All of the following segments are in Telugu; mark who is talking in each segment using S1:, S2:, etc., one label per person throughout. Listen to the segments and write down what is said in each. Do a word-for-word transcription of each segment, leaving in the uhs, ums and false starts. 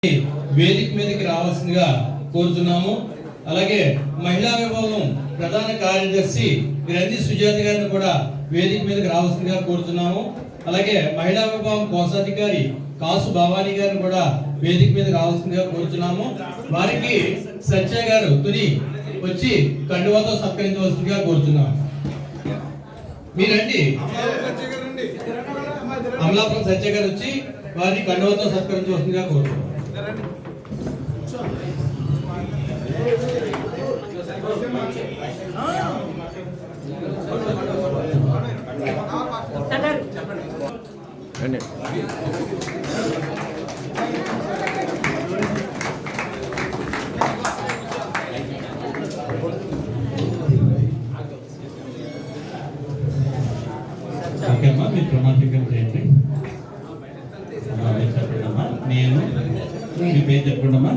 S1: వేదిక మీదకి రావాల్సిందిగా కోరుతున్నాము. అలాగే మహిళా విభాగం ప్రధాన కార్యదర్శి గ్రంథి సుజాత గారిని కూడా వేదిక మీదకి రావాల్సిందిగా కోరుతున్నాము. అలాగే మహిళా విభాగం కోశాధికారి కాసు భవానీ గారిని కూడా వేదిక మీద రావాల్సిందిగా కోరుతున్నాము. వారికి సత్య గారు తుని వచ్చి కండువాతో సత్కరించవలసిందిగా కోరుతున్నాము. మీరండి అమలాపురం సత్య గారు వచ్చి వారిని కండువాతో సత్కరించవలసిందిగా కోరుతున్నాము. ఓకేమ్మా, మీరు ప్రమాణికం చేయండి. చెప్పండమ్మా. నేను మీ పేరు చెప్పండమ్మా.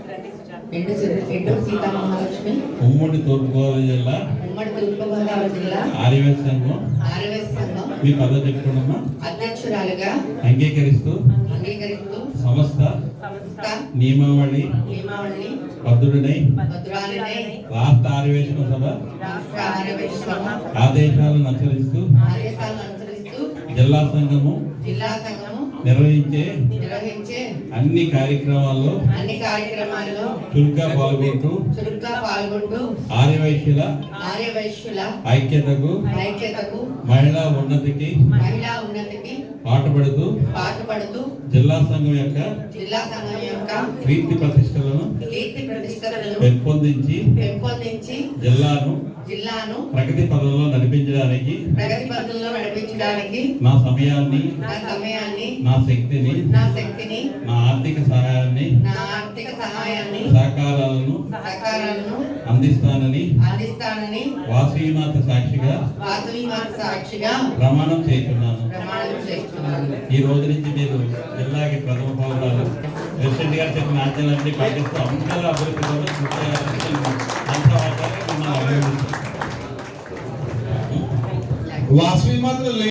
S2: సీతామహాలక్ష్మి,
S1: ఉమ్మడి తూర్పుగోదావరి జిల్లా
S2: ఉమ్మడి తూర్పుగోదావరి జిల్లా
S1: ఆర్యవేశ సంఘం
S2: ఆర్యవేశ సంఘం
S1: మీ పదవి చెప్పండమ్మా.
S2: అధ్యక్షురాలుగా
S1: అంగీకరిస్తూ
S2: అంగీకరిస్తూ
S1: సంస్థ
S2: సంస్థ
S1: నియమావళి
S2: నియమావళిని
S1: భద్రుడినై
S2: భద్రాలనే
S1: రాష్ట్ర ఆర్యవేశన సభ
S2: రాష్ట్ర ఆర్యవేశ సభ
S1: ఆదేశాలను అనుసరిస్తూ
S2: ఆదేశాలను అనుసరిస్తూ
S1: జిల్లా సంఘము
S2: జిల్లా సంఘము
S1: నిర్వహించే
S2: నిర్వహించే
S1: అన్ని కార్యక్రమాల్లో
S2: అన్ని కార్యక్రమాల్లో
S1: చురుగ్గా పాల్గొంటూ
S2: చురుగ్గా పాల్గొంటూ
S1: ఆర్యవైశ్యుల
S2: ఆర్యవైశ్యుల
S1: ఐక్యతకు
S2: ఐక్యతకు
S1: మహిళా ఉన్నతికి
S2: మహిళా ఉన్నతికి
S1: పాటుపడుతూ
S2: పాటుపడుతూ
S1: జిల్లా సంఘం యొక్క
S2: జిల్లా సంఘం యొక్క
S1: కీర్తి ప్రతిష్టలను
S2: కీర్తి ప్రతిష్టలను
S1: పెంపొందించి
S2: పెంపొందించి
S1: జిల్లాను
S2: జిల్లాను
S1: ప్రగతి పదంలో నడిపించడానికి
S2: ప్రగతి పథంలో నడిపించడానికి
S1: నా సమయాన్ని
S2: నా సమయాన్ని
S1: నా శక్తిని
S2: నా శక్తిని
S1: నా ఆర్థిక సహాయాన్ని
S2: నా ఆర్థిక సహాయాన్ని
S1: సహకారాలను
S2: సహకారాలను
S1: అందిస్తానని
S2: అందిస్తానని
S1: వాసీమాత సాక్షిగా
S2: వాసవి మాత సాక్షిగా
S1: ప్రమాణం చేస్తున్నాను.
S2: ప్రమాణం చేస్తున్నాను.
S1: ఈ రోజు నుంచి మీరు జిల్లాకి ప్రథమ పౌరాలు ప్రెసిడెంట్ గారు చెప్పిన ఆజ్ఞలన్నీ పాటిస్తూ అందరూ అభివృద్ధి కోసం కృషి చేయాలని అంతా
S3: వాసవి మాత్రం